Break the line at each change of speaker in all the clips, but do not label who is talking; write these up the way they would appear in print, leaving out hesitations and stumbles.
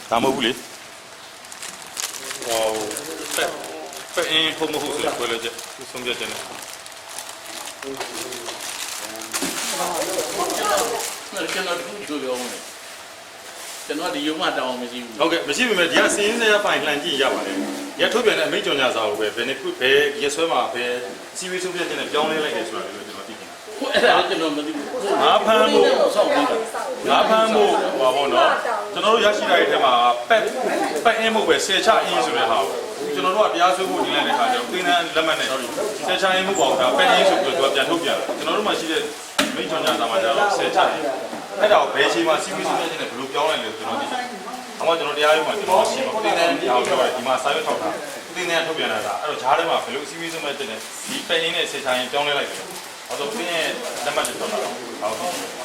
ဒါမဟုတ်ဘူးလေဟောပဲအင်းဖို့မဟုတ်ဆိုပြောလိုက်ကြဆုံးပြတယ်နော်
ကျွန်တော်တို့ပြောမယ်ကျွန်တော်ဒီရုံးမှတောင်းအောင်မရှိဘူး
ဟုတ်ကဲ့မရှိပေမဲ့ဒီကစင်းစရာပိုင်လှန်ကြည့်ရပါတယ်ရထုတ်ပြန်တဲ့အမိန့်ကြော်ညာစာကိုပဲဘယ်နှစ်ခုဘယ်ရက်ဆွဲမှာပဲစီဝေးဆုံးပြတဲ့နဲ့ပြောင်းလဲလိုက်တယ်ဆိုတာလည်းကျွန်တော်သိတယ်
ဟုတ်အဲ့ဒါကျွန်တော်မသိဘူး
ငါဖမ်းဖို့ဆောက်ပြီးတာငါဖမ်းဖို့ဟောပေါ့နော်ကျွန်တော်တို့ရရှိတဲ့ထဲမှာပက်အင်းမှုပဲဆယ်ချအင်းဆိုတဲ့ဟာကိုကျွန်တော်တို့ကတရားစွဲဖို့ညှိနှိုင်းတဲ့အခါကျတော့သင်္ကန်းလက်မှတ်နဲ့ဆယ်ချအင်းမှုပေါ့ဒါပက်အင်းဆိုပြီးတော့ပြန်ထုတ်ပြန်တယ်ကျွန်တော်တို့မှရှိတဲ့မိန့်ကြော်ညာစာမှာကျတော့ဆယ်ချအင်းအဲ့ဒါကိုဘယ်ချိန်မှာစီဝေးဆုံးပြတဲ့နဲ့ဘယ်လိုပြောင်းလဲလဲကျွန်တော်သိတယ်။အမှကျွန်တော်တရားရုံးမှာကျွန်တော်ရှင်းပါသင်္ကန်းတရားကိုပြောတယ်ဒီမှာစာရွက်ထောက်တာသင်္ကန်းထုတ်ပြန်လာတာအဲ့တော့ဂျားထဲမှာဘယ်လိုစီဝေးဆုံးပြတဲ့နဲ့ဒီပက်အင်းနဲ့ဆယ်ချအင်းပြောင်းလဲလိုက်တယ်။အဲ့တော့သင်ရဲ့လက်မှတ်တွေထွက်လာတော့ဟုတ်နော်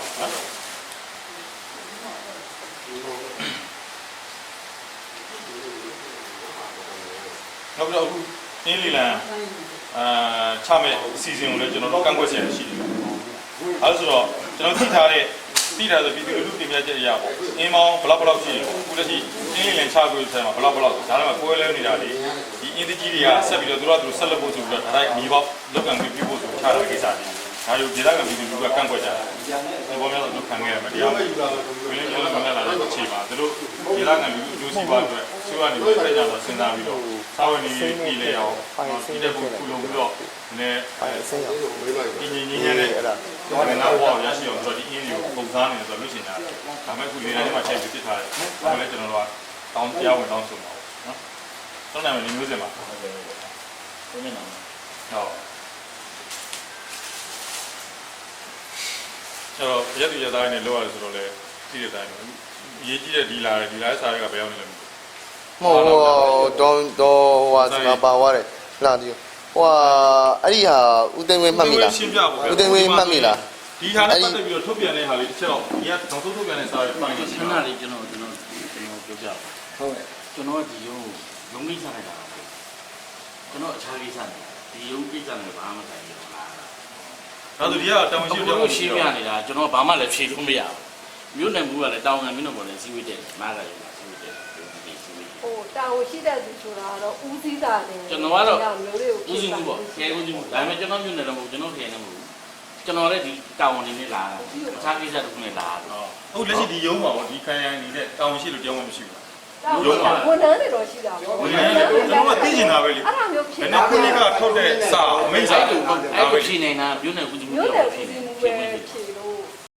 နောက်တော့အခုအင်းလီလန်ချမဲ့အစီအစဉ်ကိုလည်းကျွန်တော်တို့ကန့်ကွက်ချက်ရှိတယ်။အဲဆိုတော့ကျွန်တော်သိထားတဲ့ဆိုပြည်သူလူထုတင်ပြချက်အရာပေါ့အင်းမောင်းဘလောက်ရှိတယ်အခုလက်ရှိအင်းလီလန်ချကိုဆယ်မှာဘလောက်ဒါလည်းမကွဲလဲနေတာလေဒီအင်းတကြီးတွေကဆက်ပြီးတော့သူတို့ဆက်လက်ဖို့ဆိုပြီးတော့ဒါတိုင်းမြေပေါက်လောက်ကန်ပြီးဖို့ဆိုချတာကိစ္စတွေဒါယူဒေသခံပြည်သူလူထုကကန့်ကွက်ကြတယ်ဒီပေါ်မှာတော့ခံခဲ့ရမှာတရားဝင်လည်းမလာတဲ့အခြေပါသူတို့ဒေသခံလူထုစီးပွားအတွက်စီးပွားနေပြကြတော့စဉ်းစားပြီးတော့စာဝင်နေပြည်လေအောင်ဒီတဲ့ကိုခုလုံးပြီးတော့နည်းဆင်းရအောင်ဒီညီညီနဲ့အဲ့ဒါတော့လည်းနောက်ဘောရရှိအောင်ဆိုတော့ဒီအင်းတွေကိုပုံစားနေတယ်ဆိုတော့လို့ရှိနေတာဒါမဲ့ခုလေတိုင်းမှာချိန်ပြီးပြစ်ထားတယ်ဒါလည်းကျွန်တော်တို့ကတောင်းတရားဝင်တောင်းဆိုမှာနော်တောင်းနိုင်မယ်ဒီမျိုးစင်ပါဟုတ်ကဲ့ဟုတ်နေမှာဟုတ်အဲ့တော့ရက်တူရက်သားနဲ့လောက်ရတယ်ဆိုတော့လေကြည့်တဲ့အတိုင်းအရေးကြီးတဲ့ဒီလာစားတွေကဘယ်ရောက်နေလဲ
မဟုတ်တော့ဟာစကားပါသွားတယ်လာဒီဟိုအဲ့ဒီဟာဦးသိန်းဝင်းမှတ်မိလားဦးသိန်းဝင်းမှတ်မိလား
ဒီဟာနဲ့ပတ်သက်ပြီးတော့ထုတ်ပြန်တဲ့ဟာလေးတစ်ချက်တော့ဒီကနောက်ဆုံးထုတ်ပြန်တဲ့စာတွေပိုင်း
ခဏလေးကျွန်တော်ပြောပြပါဟုတ်ကဲ့ကျွန်တော်ဒီရုံးကိစ္စလိုက်တာကျွန်တော်အခြားကိစ္စနေဒီရုံးကိစ္စနဲ့ဘာမှမဆိုင်ဘူးလား
ဒါဆိုဒီကတောင်ရှိပြော
ရှင်းပြနေတာကျွန်တော်ဘာမှလည်းဖြေလို့မရဘူးမြို့နယ်မှုကလည်းတောင်ငံမြို့နယ်ပေါ်လည်းစီးဝေးတယ်မားကလည်းစီးဝေးတယ်
ဟိုတာဝန်ရှိတဲ့သူဆိုတာတော့ဦးစီးတာတယ်
ကျွန်တော်ကတော့ဦးစီးမှုပေါ့ခဲဦးစီးမှုဒါပေမဲ့ကျွန်တော်မြို့နယ်တော့မဟုတ်ကျွန်တော်ခဲနေမဟုတ်ကျွန်တော်လည်းဒီတာဝန်နေနဲ့လာတာအခြားကိစ္စတစ်ခုနဲ့လာတော့
ဟုတ်လက်ရှိဒီရုံးမှာပေါ့ဒီခံရနေတဲ့တာဝန်ရှိလို့ကြောင်းမရှိဘူး
ရုံးမှာဝန်ထမ်းတွေတော့ရှိတာပေါ့
ဝန်ထမ်းတွေကျွန်တော်ကသိကျင်တာပဲလေ
အဲ့ဒါမျိုးဖြစ်
တာခုနကထုတ်တဲ့စာအမိန့်စာ
အဲ့လိုဖြေနေတာမြို့နယ်ဦးစီးမှု
မြို့နယ်ဦးစီးမှုပဲဖြေလို့